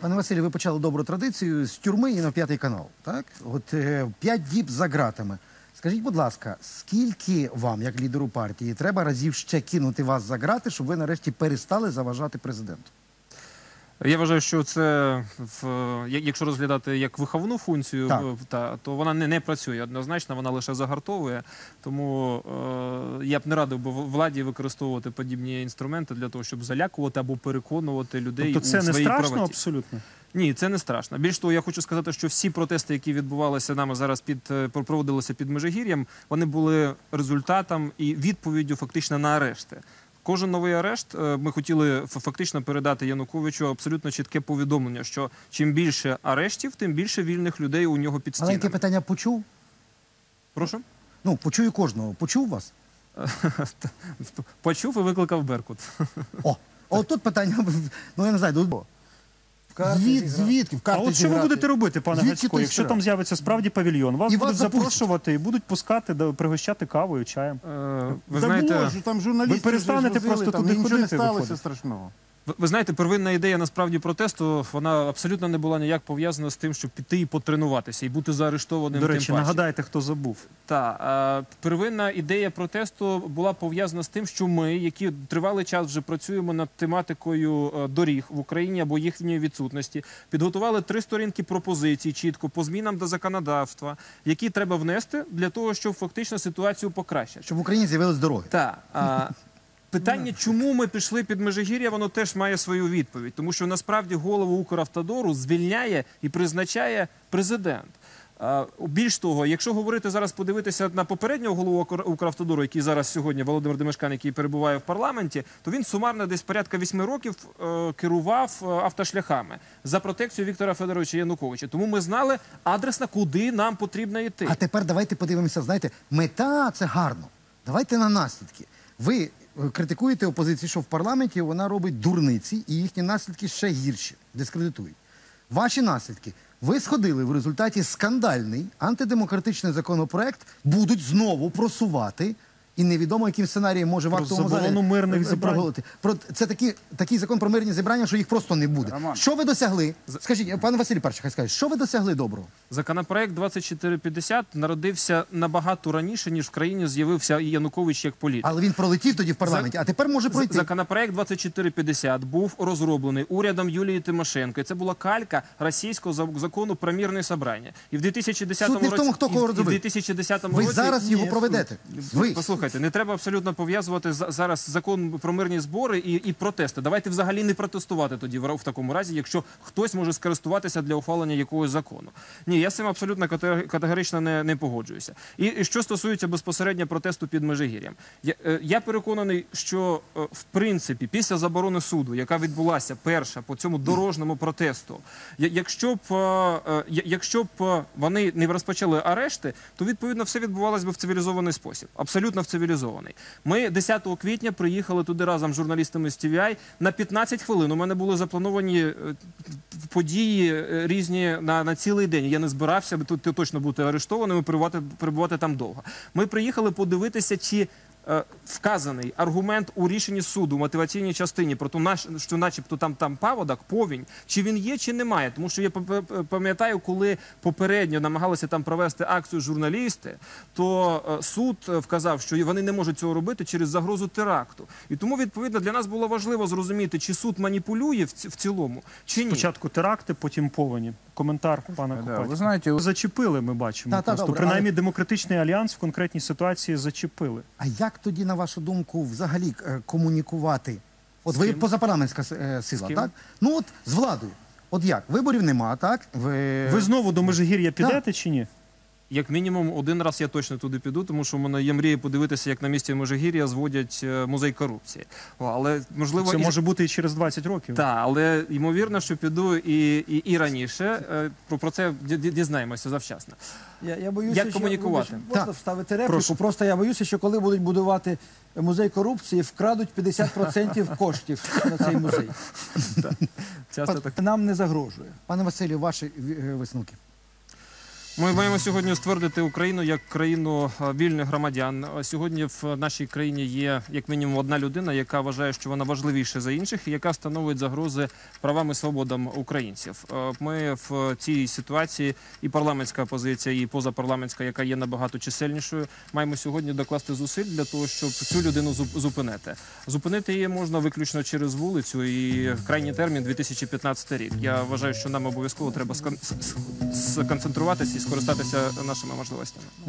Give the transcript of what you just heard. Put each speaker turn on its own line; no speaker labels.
Пане Василю, ви почали добру традицію з тюрми і на П'ятий канал, так? От 5 діб за ґратами. Скажіть, будь ласка, скільки вам, як лідеру партії, треба разів ще кинути вас за ґрати, щоб ви нарешті перестали заважати президенту?
Я вважаю, що це, якщо розглядати як виховну функцію, то вона не працює однозначно, вона лише загартовує. Тому я б не радив би владі використовувати подібні інструменти для того, щоб залякувати або переконувати людей у своїй правоті.
Тобто це не страшно абсолютно?
Ні, це не страшно. Більш того, я хочу сказати, що всі протести, які відбувалися нами зараз, проводилися під Межигір'ям, вони були результатом і відповіддю фактично на арешти. Кожен новий арешт ми хотіли фактично передати Януковичу абсолютно чітке повідомлення, що чим більше арештів, тим більше вільних людей у нього під стінами.
Але яке питання почув?
Прошу?
Ну, почую кожного. Почув вас?
Почув і викликав Беркут.
От тут питання, ну я не знаю, звідки?
А от що ви будете робити, пане Гацько, якщо там з'явиться справді павільйон? Вас будуть запрошувати і будуть пускати, пригощати кавою, чаєм.
Ви знаєте,
ви перестанете просто туди ходити, виходить.
Ви знаєте, первинна ідея насправді протесту, вона абсолютно не була ніяк пов'язана з тим, щоб піти і потренуватися, і бути заарештованим.
До речі, нагадайте, хто забув.
Так, первинна ідея протесту була пов'язана з тим, що ми, які тривалий час вже працюємо над тематикою доріг в Україні або їхньої відсутності, підготували 3 сторінки пропозицій чітко по змінам до законодавства, які треба внести для того, щоб фактично ситуацію покращити.
Щоб в Україні з'явились дороги.
Так. Питання, чому ми пішли під Межигір'я, воно теж має свою відповідь. Тому що насправді голову Укравтодору звільняє і призначає президент. Більш того, якщо говорити зараз, подивитися на попереднього голову Укравтодору, який зараз сьогодні, Володимир Демешкан, який перебуває в парламенті, то він сумарно десь порядка 8 років керував автошляхами за протекцію Віктора Федоровича Януковича. Тому ми знали адресно, куди нам потрібно йти.
А тепер давайте подивимося, знаєте, мета – це гарно. Давайте на наслідки. Ви критикуєте опозицію, що в парламенті вона робить дурниці, і їхні наслідки ще гірші, дискредитують. Ваші наслідки. Ви сходили в результаті скандальний антидемократичний законопроект, будуть знову просувати, і невідомо, яким сценарієм може в актовому залі проголосувати. Це такий закон про мирні зібрання, що їх просто не буде. Що ви досягли? Скажіть, пане Василь перший, хай скаже, що ви досягли доброго?
Законопроект 2450 народився набагато раніше, ніж в країні з'явився Янукович як політик.
Але він пролетів тоді в парламенті, а тепер може пройти.
Законопроект 2450 був розроблений урядом Юлії Тимошенко. І це була калька російського закону про мирне зібрання. І в 2010 році...
Суть не в тому, хто кого розробив. Ви зараз його проведете.
Послухайте, не треба абсолютно пов'язувати зараз закон про мирні збори і протести. Давайте взагалі не протестувати тоді в такому разі, якщо хтось може скористуватися для ухвалення якогось закону. Ні, я з цим абсолютно категорично не погоджуюся. І що стосується безпосередньо протесту під Межигір'ям. Я переконаний, що в принципі після заборони суду, яка відбулася перша по цьому дорожньому протесту, якщо б вони не розпочали арешти, то відповідно все відбувалося б в цивілізований спосіб. Абсолютно в цивілізований. Ми 10 квітня приїхали туди разом з журналістами з TVI на 15 хвилин. У мене були заплановані події різні на цілий день. Я не збирався, тут точно бути арештованим і перебувати там довго. Ми приїхали подивитися, чи вказаний аргумент у рішенні суду, в мотиваційній частині, про те, що начебто там паводок, повінь, чи він є, чи немає. Тому що я пам'ятаю, коли попередньо намагалися там провести акцію журналісти, то суд вказав, що вони не можуть цього робити через загрозу теракту. І тому, відповідно, для нас було важливо зрозуміти, чи суд маніпулює в цілому, чи ні.
Спочатку теракти, потім повені. Коментар пана Копатіка.
Ви знаєте,
зачепили, ми бачимо. Принаймні, демократичний альянс в конкретній ситуації зачепили.
А як тоді, на вашу думку, взагалі комунікувати? От ви позапарламентська сила, так? Ну от з владою. От як? Виборів нема, так?
Ви знову до Межигір'я підете чи ні?
Як мінімум, один раз я точно туди піду, тому що в мене є мрія подивитися, як на місці Межигір'я зводять музей корупції. Але, можливо,
це може бути і через 20 років.
Так, але ймовірно, що піду і раніше. Про це дізнаємося завчасно.
Я боюся,
як комунікувати?
Можна вставити репліку? Просто я боюся, що коли будуть будувати музей корупції, вкрадуть 50% коштів на цей музей. Нам не загрожує.
Пане Василю, ваші висновки?
Ми маємо сьогодні ствердити Україну як країну вільних громадян. Сьогодні в нашій країні є як мінімум одна людина, яка вважає, що вона важливіша за інших, і яка становить загрози правам і свободам українців. Ми в цій ситуації, і парламентська опозиція, і позапарламентська, яка є набагато чисельнішою, маємо сьогодні докласти зусиль для того, щоб цю людину зупинити. Зупинити її можна виключно через вулицю, і крайній термін 2015 рік. Я вважаю, що нам обов'язково треба сконцентруватися і скористатися нашими можливостями.